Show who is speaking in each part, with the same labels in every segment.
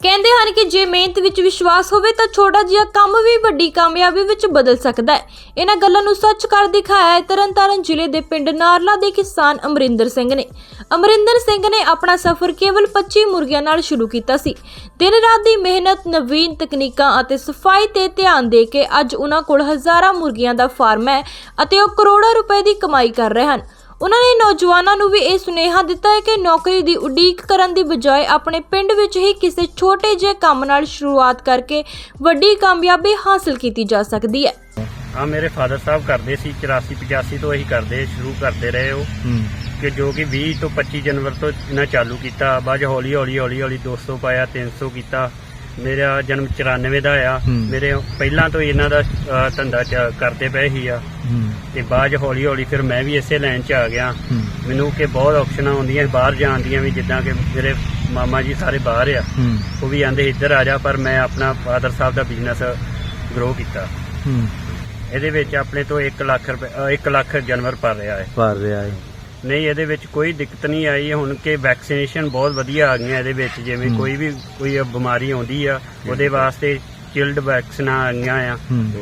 Speaker 1: ਕਹਿੰਦੇ ਹਨ ਕਿ ਜੇ ਮਿਹਨਤ ਵਿੱਚ ਵਿਸ਼ਵਾਸ ਹੋਵੇ ਤਾਂ ਛੋਟਾ ਜਿਹਾ ਕੰਮ ਵੀ ਵੱਡੀ ਕਾਮਯਾਬੀ ਵਿੱਚ ਬਦਲ ਸਕਦਾ ਹੈ। ਇਹਨਾਂ ਗੱਲਾਂ ਨੂੰ ਸੱਚ ਕਰ ਦਿਖਾਇਆ ਹੈ ਤਰਨਤਾਰਨ ਜ਼ਿਲ੍ਹੇ ਦੇ ਪਿੰਡ ਨਾਰਲਾ ਦੇ ਕਿਸਾਨ ਅਮਰਿੰਦਰ ਸਿੰਘ ਨੇ। ਅਮਰਿੰਦਰ ਸਿੰਘ ਨੇ ਆਪਣਾ ਸਫ਼ਰ ਕੇਵਲ 25 ਮੁਰਗੀਆਂ ਨਾਲ ਸ਼ੁਰੂ ਕੀਤਾ ਸੀ। ਦਿਨ ਰਾਤ ਦੀ ਮਿਹਨਤ, ਨਵੀਨ ਤਕਨੀਕਾਂ ਅਤੇ ਸਫਾਈ ਤੇ ਧਿਆਨ ਦੇ ਕੇ ਅੱਜ ਉਹਨਾਂ ਕੋਲ ਹਜ਼ਾਰਾਂ ਮੁਰਗੀਆਂ ਦਾ ਫਾਰਮ ਹੈ ਅਤੇ ਉਹ ਕਰੋੜਾਂ ਰੁਪਏ ਦੀ ਕਮਾਈ ਕਰ ਰਹੇ ਹਨ। ਉਹਨਾਂ ਨੇ ਨੌਜਵਾਨਾਂ ਨੂੰ ਵੀ ਇਹ ਸੁਨੇਹਾ ਦਿੱਤਾ ਹੈ ਕਿ ਨੌਕਰੀ ਦੀ ਉਡੀਕ ਕਰਨ ਦੀ ਬਜਾਏ ਆਪਣੇ ਪਿੰਡ ਵਿੱਚ ਹੀ ਕਿਸੇ ਛੋਟੇ ਜਿਹੇ ਕੰਮ ਨਾਲ ਸ਼ੁਰੂਆਤ ਕਰਕੇ ਵੱਡੀ ਕਾਮਯਾਬੀ ਹਾਸਲ ਕੀਤੀ ਜਾ ਸਕਦੀ ਹੈ।
Speaker 2: ਮੇਰੇ ਫਾਦਰ ਸਾਹਿਬ ਕਰਦੇ ਸੀ 84-85 ਤੋਂ ਇਹੀ ਸ਼ੁਰੂ ਕਰਦੇ ਰਹੇ ਹੋ ਕਿ ਜੋ ਕਿ 20 ਤੋਂ 25 ਜਨਵਰੀ ਤੋਂ ਇਹਨਾਂ ਚਾਲੂ ਕੀਤਾ। ਬਾਅਦ ਹੌਲੀ ਹੌਲੀ 200 ਪਾਇਆ, 300 ਕੀਤਾ। ਮੇਰਾ ਜਨਮ 94 ਦਾ ਆ। ਮੇਰੇ ਪਹਿਲਾਂ ਤੋਂ ਇਹਨਾਂ ਦਾ ਧੰਦਾ ਕਰਦੇ ਪਏ ਹੀ ਆ ਤੇ ਬਾਅਦ ਹੌਲੀ ਹੌਲੀ ਫਿਰ ਮੈਂ ਵੀ ਇਸੇ ਲਾਈਨ 'ਚ ਆ ਗਿਆ। ਮੈਨੂੰ ਕਿ ਬਹੁਤ ਆਪਸ਼ਨਾਂ ਆਉਂਦੀਆਂ ਬਾਹਰ ਜਾਣ ਦੀਆਂ ਵੀ, ਜਿੱਦਾਂ ਕਿ ਮੇਰੇ ਮਾਮਾ ਜੀ ਸਾਰੇ ਬਾਹਰ ਆ, ਉਹ ਵੀ ਆਂਦੇ ਇੱਧਰ ਆ ਜਾ, ਪਰ ਮੈਂ ਆਪਣਾ ਫਾਦਰ ਸਾਹਿਬ ਦਾ ਬਿਜ਼ਨਸ ਗਰੋ ਕੀਤਾ। ਇਹਦੇ ਵਿੱਚ ਆਪਣੇ ਤੋਂ 1 ਲੱਖ ਜਾਨਵਰ ਭਰ ਰਿਹਾ ਹੈ। ਨਹੀਂ, ਇਹਦੇ ਵਿੱਚ ਕੋਈ ਦਿੱਕਤ ਨਹੀਂ ਆਈ। ਹੁਣ ਕਿ ਵੈਕਸੀਨੇਸ਼ਨ ਬਹੁਤ ਵਧੀਆ ਆ ਗਈਆਂ ਇਹਦੇ ਵਿੱਚ। ਜਿਵੇਂ ਕੋਈ ਬਿਮਾਰੀ ਆਉਂਦੀ ਆ ਉਹਦੇ ਵਾਸਤੇ ਚਿਲਡ ਵੈਕਸੀਨਾਂ ਆ ਗਈਆਂ ਆ।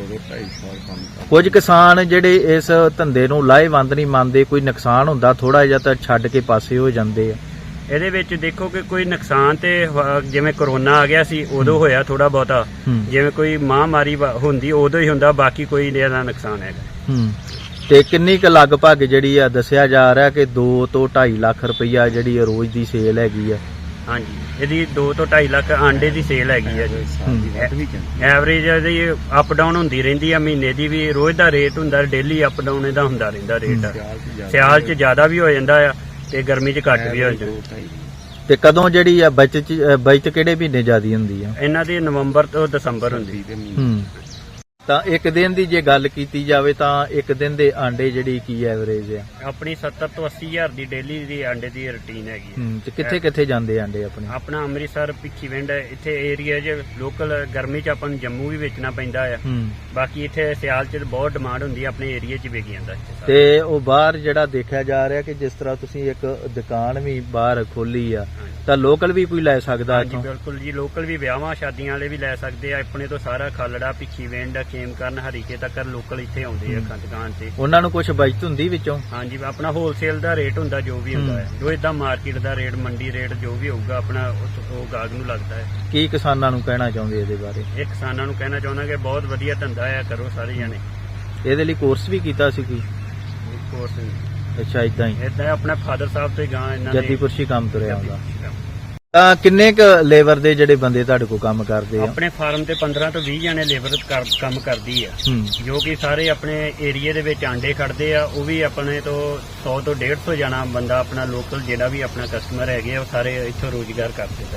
Speaker 3: ਕੁਝ ਕਿਸਾਨ ਜਿਹੜੇ ਇਸ ਧੰਦੇ ਨੂੰ ਲਾਹੇਵੰਦ ਨਹੀਂ ਮੰਨਦੇ, ਕੋਈ ਨੁਕਸਾਨ ਹੁੰਦਾ ਥੋੜਾ ਜਿਹਾ ਤਾਂ ਛੱਡ ਕੇ ਪਾਸੇ ਹੋ ਜਾਂਦੇ ਆ।
Speaker 2: ਇਹਦੇ ਵਿੱਚ ਦੇਖੋ ਕਿ ਕੋਈ ਨੁਕਸਾਨ ਤੇ ਜਿਵੇਂ ਕਰੋਨਾ ਆ ਗਿਆ ਸੀ ਉਦੋਂ ਹੋਇਆ ਥੋੜਾ ਬਹੁਤਾ, ਜਿਵੇਂ ਕੋਈ ਮਹਾਮਾਰੀ ਹੁੰਦੀ ਉਦੋਂ ਹੀ ਹੁੰਦਾ, ਬਾਕੀ ਕੋਈ ਇਹਦਾ ਨੁਕਸਾਨ ਹੈਗਾ।
Speaker 3: ਤੇ ਕਿੰਨੀ ਕੁ ਲਗਭਗ ਜਿਹੜੀ ਆ ਦੱਸਿਆ ਜਾ ਰਿਹਾ ਕਿ 2 ਤੋਂ 2.5 ਲੱਖ ਰੁਪਈਆ ਜਿਹੜੀ ਰੋਜ਼ ਦੀ ਸੇਲ ਹੈਗੀ ਆ?
Speaker 2: ਹਾਂਜੀ, ਇਹਦੀ 2 ਤੋਂ 2.5 ਲੱਖ ਆਂਡੇ ਦੀ ਸੇਲ ਹੈਗੀ ਆ ਜੀ। ਐਵਰੇਜ ਇਹਦੀ ਅਪ ਡਾਊਨ ਹੁੰਦੀ ਰਹਿੰਦੀ ਆ। ਮਹੀਨੇ ਦੀ ਵੀ ਰੋਜ਼ ਦਾ ਰੇਟ ਹੁੰਦਾ, ਡੇਲੀ ਅਪ ਡਾਊਨ ਇਹਦਾ ਹੁੰਦਾ ਰਹਿੰਦਾ ਰੇਟ। ਸਿਆਲ 'ਚ ਜ਼ਿਆਦਾ ਵੀ ਹੋ ਜਾਂਦਾ ਆ ਤੇ ਗਰਮੀ 'ਚ ਘੱਟ ਵੀ ਹੋ ਜਾਂਦਾ।
Speaker 3: ਤੇ ਕਦੋਂ ਜਿਹੜੀ ਆ ਬਚਤ ਕਿਹੜੇ ਮਹੀਨੇ ਜ਼ਿਆਦੀ ਹੁੰਦੀ ਆ?
Speaker 2: ਇਹਨਾਂ ਦੀ ਨਵੰਬਰ ਤੋਂ ਦਸੰਬਰ ਹੁੰਦੀ।
Speaker 3: ਤਾਂ ਇੱਕ ਦਿਨ ਦੀ ਜੇ ਗੱਲ ਕੀਤੀ ਜਾਵੇ ਤਾਂ ਇੱਕ ਦਿਨ ਦੇ ਆਂਡੇ ਜਿਹੜੀ ਕੀ ਐਵਰੇਜ ਆ?
Speaker 2: ਆਪਣੀ 70 ਤੋਂ 80 ਹਜ਼ਾਰ ਦੀ ਡੇਲੀ ਦੀ ਆਂਡੇ ਦੀ ਰੁਟੀਨ ਹੈਗੀ।
Speaker 3: ਤੇ ਕਿੱਥੇ ਜਾਂਦੇ ਆਂਡੇ ਆਪਣੇ?
Speaker 2: ਆਪਣਾ ਅੰਮ੍ਰਿਤਸਰ, ਭਿੱਖੀਵਿੰਡ, ਇੱਥੇ ਏਰੀਆ 'ਚ ਲੋਕਲ। ਗਰਮੀ 'ਚ ਆਪਾਂ ਨੂੰ ਜੰਮੂ ਵੀ ਵੇਚਣਾ ਪੈਂਦਾ ਆ। ਬਾਕੀ ਇੱਥੇ ਸਿਆਲ 'ਚ ਬਹੁਤ ਡਿਮਾਂਡ ਹੁੰਦੀ ਆ, ਆਪਣੇ ਏਰੀਆ 'ਚ ਵਿਕ ਜਾਂਦਾ।
Speaker 3: ਤੇ ਉਹ ਬਾਹਰ ਜਿਹੜਾ ਦੇਖਿਆ ਜਾ ਰਿਹਾ ਕਿ ਜਿਸ ਤਰ੍ਹਾਂ ਤੁਸੀਂ ਇੱਕ ਦੁਕਾਨ ਵੀ ਬਾਹਰ ਖੋਲੀ ਆ, ਤਾਂ ਲੋਕਲ ਵੀ ਕੋਈ ਲੈ ਸਕਦਾ?
Speaker 2: ਹਾਂਜੀ ਬਿਲਕੁਲ ਜੀ, ਲੋਕਲ ਵੀ ਵਿਆਹਾਂ ਸ਼ਾਦੀਆਂ ਵਾਲੇ ਵੀ ਲੈ ਸਕਦੇ ਆ। ਆਪਣੇ ਤੋਂ ਸਾਰਾ ਖਾਲੜਾ, ਭਿੱਖੀਵਿੰਡ, ਖੇਮਕਰਨ, ਹਰੀਕੇ ਤੱਕ ਲੋਕਲ ਇੱਥੇ ਆਉਂਦੇ ਆ ਦੁਕਾਨ ਤੇ। ਉਹਨਾਂ
Speaker 3: ਨੂੰ ਕੁਝ ਬਚਤ ਹੁੰਦੀ ਵਿੱਚੋਂ?
Speaker 2: ਹਾਂਜੀ, ਆਪਣਾ ਹੋਲਸੇਲ ਦਾ ਰੇਟ ਹੁੰਦਾ ਜੋ ਵੀ ਹੁੰਦਾ ਹੈ, ਜੋ ਏਦਾਂ ਮਾਰਕੀਟ ਦਾ ਰੇਟ, ਮੰਡੀ ਰੇਟ ਜੋ ਵੀ ਹੋਊਗਾ ਆਪਣਾ ਉਹ ਗਾਹਕ ਨੂੰ ਲੱਗਦਾ ਹੈ।
Speaker 3: ਕੀ ਕਿਸਾਨਾਂ ਨੂੰ ਕਹਿਣਾ ਚਾਹੁੰਦੇ ਇਹਦੇ ਬਾਰੇ?
Speaker 2: ਇਹ ਕਿਸਾਨਾਂ ਨੂੰ ਕਹਿਣਾ ਚਾਹੁੰਦਾ ਕਿ ਬਹੁਤ ਵਧੀਆ ਧੰਦਾ ਆ, ਕਰੋ ਸਾਰੇ ਜਾਣੇ।
Speaker 3: ਇਹਦੇ ਲਈ ਕੋਰਸ ਵੀ ਕੀਤਾ ਸੀ ਕੋਈ?
Speaker 2: ਕੋਰਸ
Speaker 3: ਅੱਛਾ, ਏਦਾਂ ਹੀ
Speaker 2: ਆਪਣਾ ਫਾਦਰ ਸਾਹਿਬ ਤੇ ਗਾਂ ਇਹਨਾਂ ਨੇ
Speaker 3: ਜੱਦੀਪੁਰਸ਼ੀ ਕੰਮ ਤੁਰਿਆ ਹੁੰਦਾ। ਤਾਂ ਕਿੰਨੇ ਕ ਲੇਬਰ ਦੇ ਜਿਹੜੇ ਬੰਦੇ ਤੁਹਾਡੇ ਕੋਲ ਕੰਮ ਕਰਦੇ ਆ?
Speaker 2: ਆਪਣੇ ਫਾਰਮ ਤੇ 15 ਤੋਂ 20 ਜਣੇ ਲੇਬਰ ਕੰਮ ਕਰਦੀ ਆ, ਜੋ ਕਿ ਸਾਰੇ ਆਪਣੇ ਏਰੀਏ ਦੇ ਵਿੱਚ ਆਂਡੇ ਖੜਦੇ ਆ। ਉਹ ਵੀ ਆਪਣੇ ਤੋਂ 100 ਤੋਂ 150 ਜਣਾ ਬੰਦਾ ਆਪਣਾ ਲੋਕਲ ਜਿਹੜਾ ਵੀ ਆਪਣਾ ਕਸਟਮਰ ਹੈਗੇ ਆ, ਉਹ ਸਾਰੇ ਇੱਥੋਂ ਰੋਜ਼ਗਾਰ ਕਰਦੇ।